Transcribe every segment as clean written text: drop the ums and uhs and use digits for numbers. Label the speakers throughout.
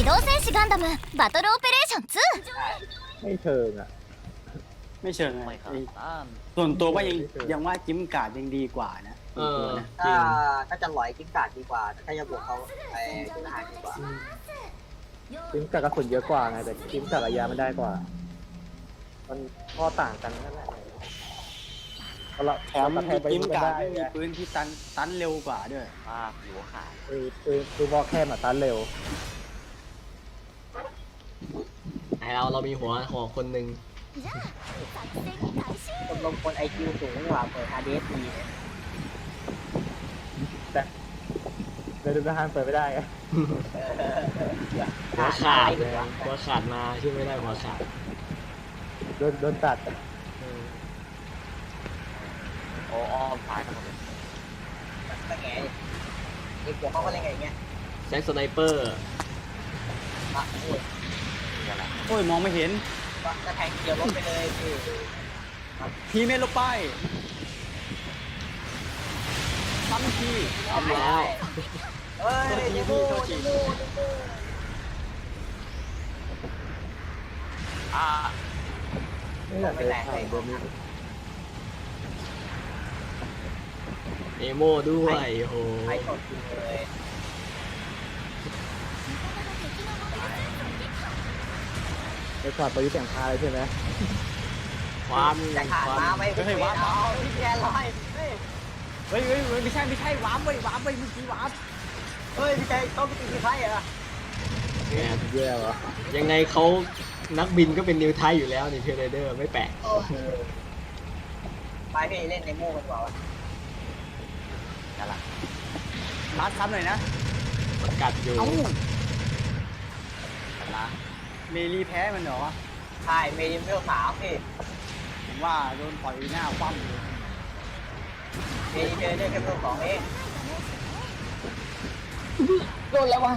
Speaker 1: 動戦士ガンダムバトルオペレーション
Speaker 2: ไม่เชิงอ่ะ
Speaker 3: ไม่เชิงไง
Speaker 4: ไม่ขนาดนั้น
Speaker 3: ส่วนตัวว่ายังว่าจิ้มกาดยังดีกว่านะ
Speaker 5: เออ
Speaker 3: ตัวนะ
Speaker 6: ถ้าจะหลอยกิ้งก่าดีกว่าแต่ถ้าจะบวกเขาไอ้จุลหารดีกว่า
Speaker 2: จิ้มกับกระสุนเยอะกว่าไงแต่จิ้มกับระยะมันได้กว่า มันข้อต่างกันนั่นแหละเพราะเรา
Speaker 3: แถ
Speaker 2: แถม
Speaker 3: ม
Speaker 2: กระแทกไป
Speaker 3: จิ้ม
Speaker 2: มัน
Speaker 3: กา
Speaker 2: ได้
Speaker 3: ดไม่มี
Speaker 2: ไง
Speaker 3: ปืนที่ตันเร็วกว่าด้วย
Speaker 4: มากหัวขาด
Speaker 2: คือบอกแค่มาตันเร็ว
Speaker 5: ไอเรามีหัวคนหนึ่ง
Speaker 6: คนลงคนไอคิวสูงกว่าเปิด RDS ดี
Speaker 2: แต่เลยดูทหารเปิดไม่ได้ไง
Speaker 5: หัวขาดเลยหัวขาดมาช่วยไม่ได้หัวขาด
Speaker 2: โดนตัด
Speaker 4: โอ้อ้อมซ้ายทั้งหมดเลย
Speaker 6: ตั้งไงไอ้พวกเขาก็เล่นไงอย่างเงี้ย
Speaker 5: แซ็กสไนเปอร์
Speaker 6: ปะโอ้ย
Speaker 4: นี่แหละ
Speaker 3: โอ้ยมองไม่เห็น
Speaker 6: ปะกระแทงเดียวลบไปเลยคือ
Speaker 3: ทีเมลลงไปซ้ำที
Speaker 5: ทำแล้ว
Speaker 6: เฮ้ยเดโมเดโม
Speaker 4: อ่า
Speaker 2: ไม่อยากเลยผ่านเดิมนี้
Speaker 5: เอโมด้วยโอ้โห
Speaker 6: ไอสดจริงเลย
Speaker 2: ไปขวาดประยุทธ์แต่งพาเลยใช่ไหม
Speaker 5: ความ
Speaker 6: แต่ขาด
Speaker 5: ความ
Speaker 6: มาไม่เป็นวาเอาพี่แกลอยเฮ้ย
Speaker 3: เฮ้ยไม่ใช่วาร์ปเว้ยวาร์ปเว้ยเมื่อกี้วาร์ป
Speaker 6: เฮ้ยพี่แกต้องไปตีที่ไพ่เหรอ
Speaker 5: แหม
Speaker 2: แย่วะ
Speaker 5: ยังไงเขานักบินก็เป็นนิวไทยอยู่แล้วนี่เพียร์ไรเดอร์ไม่แปลก
Speaker 6: ไปพี่เล่นในโม่กันดีกว่าวะ
Speaker 4: นั่นแหละ
Speaker 3: มาซ้ำหน่อยนะ
Speaker 5: กัดอยู่
Speaker 3: เอ้า
Speaker 4: ชนะ
Speaker 3: เมลีแพ้มันเหรอ
Speaker 6: ใช่เมดิมเวล3พี่
Speaker 3: ผมว่าโดนต่อยหน้าคว่ำเลย
Speaker 6: เมดิมเวลได้แค่เวล2เองโดนแล้ววะ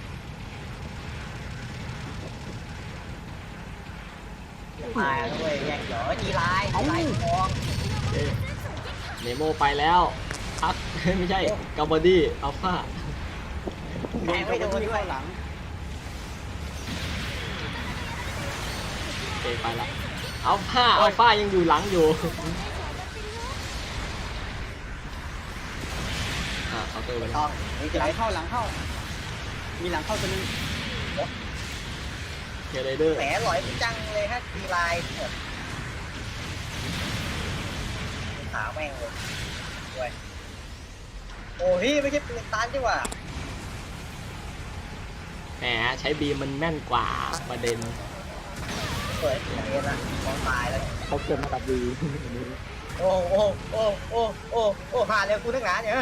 Speaker 6: มาด้วยแย่งเหรอจีไลน์ทอง
Speaker 5: เอ๊ะเนโมไปแล้วพัก ไม่ใช่กาบอดี้อัลฟา
Speaker 3: โดนกระบวนที่เข้าหลัง
Speaker 5: เอไปแล้วอัลฟายังอยู่หลังอยู่เคาน์เตอร์ไป
Speaker 6: ท
Speaker 5: แล้ว
Speaker 6: องนี่จี
Speaker 3: ห
Speaker 6: ไล
Speaker 3: ลัง
Speaker 6: น์
Speaker 3: เข้าหลังเข้า มีหลังเข้าตัวนึง
Speaker 5: เพียร์ไรเดอร์
Speaker 6: แหมหลอยจังเลยฮะจีไลน์หมดขาแม่งเลยด้วยโอ้พี่ไม่ใช่ปืนตันดีกว่า
Speaker 5: แหมใช้บีมมันแม่นกว่าประเด็น
Speaker 6: เปิดอันนี้ละมองตายแล้ว
Speaker 2: เขาเกิดมากับดี
Speaker 6: โอ้โอ้โอ้โอ้โอ้โอ้ผ่านเร็วกูนักหนาเนี่ย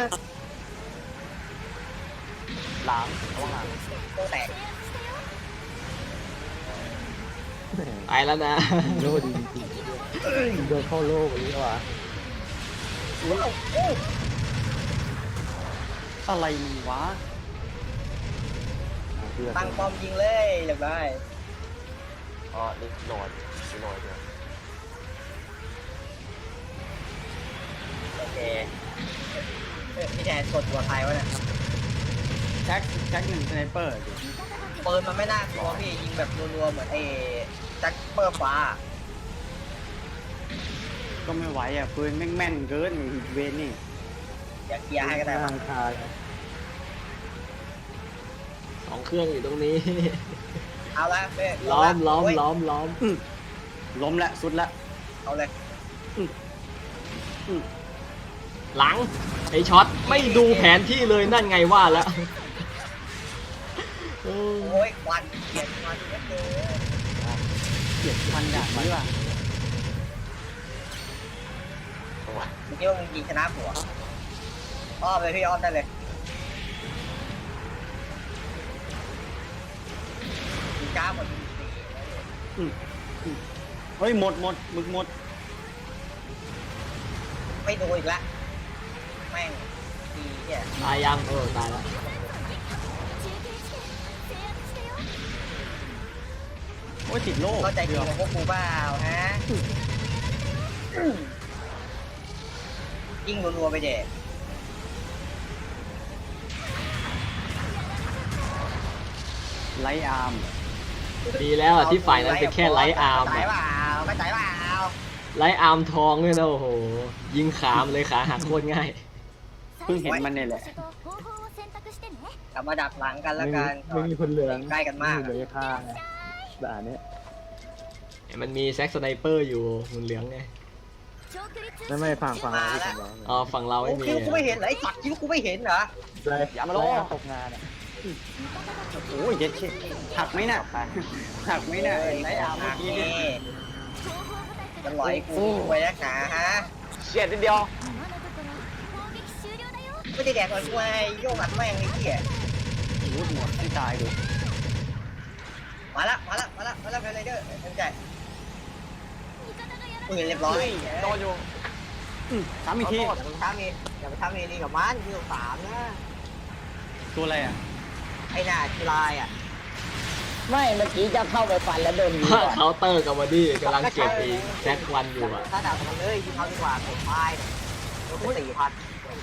Speaker 4: ล้างระวังหลัง
Speaker 6: โตแตก
Speaker 5: ไปแล้วนะ
Speaker 2: โลดีจริงๆเดินเข้าโลกอย่างนี้ว่ะ
Speaker 6: โอ้โอ้
Speaker 3: อะไรมึงวะ
Speaker 6: ตั้งป้อมยิงเลยเรียบร้อย
Speaker 4: ก็รีบโหลดด้วย
Speaker 6: โอเคพี่แทนกดตัวใครวะเนี่ย
Speaker 3: แจ็คหนึ่งสไนเปอร์ดิ
Speaker 6: ปืนมันไม่น่ากลัวพี่ยิงแบบรัวๆเหมือนไอ้แจ็คเปอร์ฟ้า
Speaker 3: ก็ไม่ไหวอ่ะปืนแม่งแม่นเกินเวนนี่
Speaker 6: อย่าเคลียร์ให้ก็ได้
Speaker 2: ทางคา
Speaker 5: 2 เครื่องอยู่ตรงนี้
Speaker 6: เอาละเฮ้ย
Speaker 5: ล้อม
Speaker 3: ล้มละสุดละ
Speaker 6: เอาเลย
Speaker 5: หลังไอช็อตไม่ดูแผนที่เลยนั่นไงว่าแล้ว
Speaker 6: โอ้ยควันเกลียดควันเยอะเกิน
Speaker 3: เกลียดพันอย่างนี้ว่ะ
Speaker 4: ตัว
Speaker 6: เมื่อกี้ว่ามึงยิงชนะผัวอ้อมเลยพี่อ้อมได้เลยยิงจ้าหมดยิงสี
Speaker 3: เฮ้ยหมดมึกหมด
Speaker 6: ไม่ดูอีกละแม่งดีเนี่ย
Speaker 5: ตายยังตายแล้ว
Speaker 3: โอ้ยติดโลก
Speaker 6: เข้าใจจริงของพวกกูเปล่าฮะยิงรัวๆไปเด็
Speaker 3: ไลท์อาร์ม
Speaker 5: ดีแล้วอะที่ฝ่ายนั้นเป็นแค่ไลท์อาร์ม
Speaker 6: ใจ
Speaker 5: อะ
Speaker 6: เปล่าไม่ใจเปล่า
Speaker 5: ไลท์อาร์มทองเลยนะโอ้โหยิงขามเลยขาหักโคตรง่าย
Speaker 3: เพิ่งเห็นมันเนี่ยแหละ
Speaker 6: กลับมาดักหลังกันแล้วกัน
Speaker 2: ไม่มีคนเหลือง
Speaker 6: ใกล้กันมาก
Speaker 2: ไเหลือข้างไงด่านเนี้ย
Speaker 5: มันมีแซ็กสไนเปอร์อยู่หุ่นเหลืองไง
Speaker 2: ไม่ฟังที่ผมบอก
Speaker 5: อ๋อฝั่งเรา
Speaker 6: โอ้
Speaker 5: ไม่มี
Speaker 6: คิวกูไม่เห็นเหรอไอ้สัตว์คิวกูไม่เห็นเหรอ
Speaker 2: เลยอย่ามาล้อตกงานอ่ะ
Speaker 3: โอ้ยเย็ดเช่หักไหมน่ะหักไหมน่ะไลท์อาร์มเมื่อกี้เนี่ย
Speaker 6: มันลอยกูไว้นักหนาฮะ
Speaker 4: เฉียดนิดเดียว
Speaker 6: ไม่ได้แดกหน่อยกูไอ้โยกอัดแม่งไอ้เหี้ย
Speaker 3: รูดหมดให้ตายดู
Speaker 6: มาละเพลย์ไรเดอร์สนใจปืนเรียบร้อย
Speaker 4: โดนอยู่
Speaker 3: สามอีกที
Speaker 6: อย่าไปทำนี่กับมันคิว3นะ
Speaker 3: ตัวอะไรอ่ะ
Speaker 6: ไอ้หน้ากีฬายอ่ะ
Speaker 7: ไม่เมื่อกี้จะเข้าไปฟันแล้วโดนยิงก่อน
Speaker 5: เคาน์เตอร์กับบอดี้กำลังเก็บอีแซ็กวันอยู่อะ
Speaker 6: ถ้าด่ากันเลยยิงเขาดีกว่าผมตายโดนไป4,000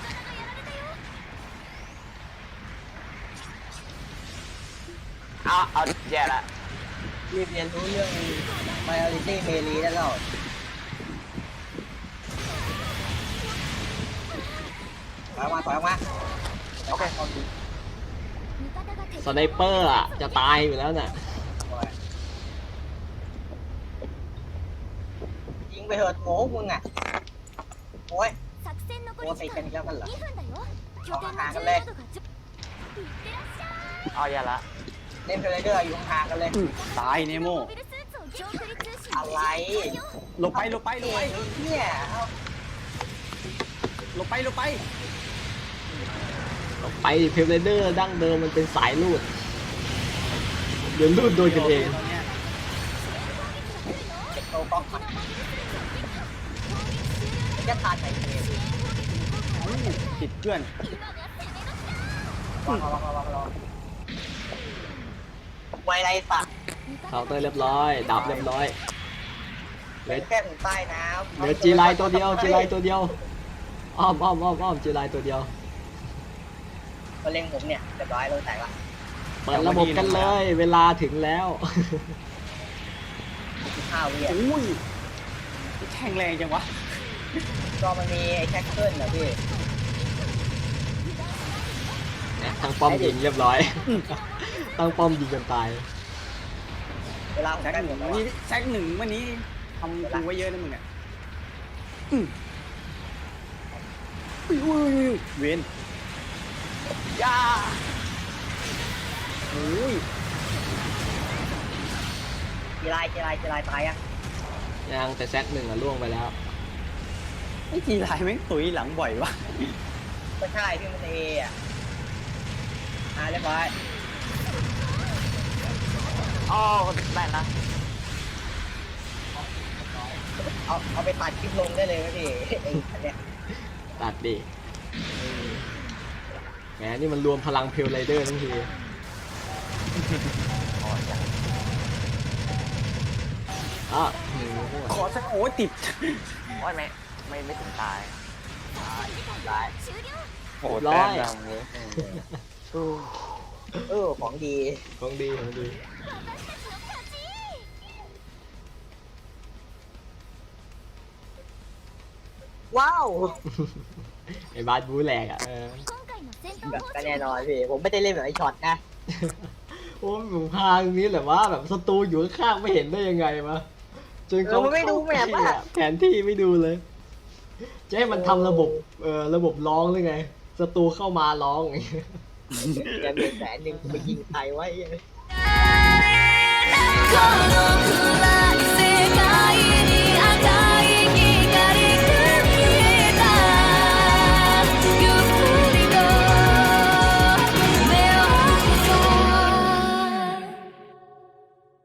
Speaker 4: เอาแย่ละ
Speaker 6: รีบเรียนรู้เรื่อง Majority Melee ได้แล้วถอยออกมา
Speaker 4: โอเค
Speaker 5: สไนเปอร์อะจะตายอยู่แล้วน่ะ
Speaker 6: ยิงไปเถิดโง่มึงอ่ะโอ้ยโอ้ติดกันอีกแล้วกันเหรอ
Speaker 4: เอาแย่ละ
Speaker 6: เล่นเพลย์เดอร์อยู่ห่างกันเลย
Speaker 3: ตายเนโม
Speaker 6: อะไร
Speaker 3: หลบไป
Speaker 6: เนี่ยเอา
Speaker 3: หลบไป
Speaker 5: ไปเพลเดอร์ดั้งเดิมมันเป็นสายลูดเดี๋ยวลูดโดนกันเอง
Speaker 3: ตอนเนี้ย
Speaker 6: เก็บโตก๊อกมาจะตาใจเกม
Speaker 3: ติดเพื่อน
Speaker 6: วางไวไรสัตว์
Speaker 5: เคาน์เตอร์เรียบร้อย ดับเรียบร้อยเหลื
Speaker 6: เป็
Speaker 5: อน
Speaker 6: แค่ถึงใต้น้ำ
Speaker 5: เหลือจีไลตัวเดียวจีไลตัวเดียวอ้อมจีไลตัวเดียว
Speaker 6: ก็เล็งผมเนี่ยเรียบร้อยลงแตกละ
Speaker 5: เปิดระบบกันเลย เวลาถึงแล้ว
Speaker 6: 5 วิอ่ะ
Speaker 3: อุ้ยแข็งแรงจังวะ
Speaker 6: ก็มันมีไอ้แท็กเกิลนะพี่
Speaker 5: ทางป้อมยิงเรียบร้อย ตั้งป้อมยิงกันตาย
Speaker 6: เวลาผม
Speaker 3: แซก
Speaker 6: ใกล้
Speaker 3: ห
Speaker 6: หม
Speaker 3: นึ่
Speaker 6: ด
Speaker 3: ง
Speaker 6: แล้ว
Speaker 3: นี่
Speaker 6: อะ
Speaker 3: แซกหนึ่งวันนี้ทำกูไว้เยอะนะมึงอ่ะอุ้ยเวน
Speaker 4: ย่า
Speaker 3: โอ้ย
Speaker 6: กีฬายตายอ่ะ
Speaker 5: ยังแต่แซกหนึ่งอะล่วงไปแล้ว
Speaker 3: ไอ้ทีไรแม่งตุ๋ยหลังบ่อยวะ
Speaker 6: ก็ใช่พี่มันเออ่ะเรียบร้อย
Speaker 4: อ๋อได้นะ
Speaker 6: เอาไปตัดคลิปลงได้เลยนะพี่ไอ้อันเนี้ย
Speaker 5: ตัดดิแหมนี่มันรวมพลังเพลไรเดอร์ทั้งทีอ่ะ
Speaker 3: ขอสักโอ้ยติด
Speaker 4: โอ้ยไม่ถึงตาย
Speaker 5: โอ้ร้อย
Speaker 6: ของดี
Speaker 5: ของดี
Speaker 6: ว้าว
Speaker 5: ไอ้บาสบูแหลกอ่ะ
Speaker 6: แบบก็แน่นอนพี่ผมไม่ได้เล่นแบบไอ้ช็อตนะ
Speaker 5: โอ้ผมพาตรงนี้แหละว่าแบบศัตรูอยู่ข้างๆไม่เห็นได้ยังไงวะจนเขา
Speaker 6: มันไม่ดูแมพอ่ะ
Speaker 5: แผนที่ไม่ดูเลย จะให้มันทำระบบร้องหรือไงศัตรูเข้ามาร้องอย่างเงี้ย
Speaker 6: จะมี100,000ไปยิงใครไว้
Speaker 1: Go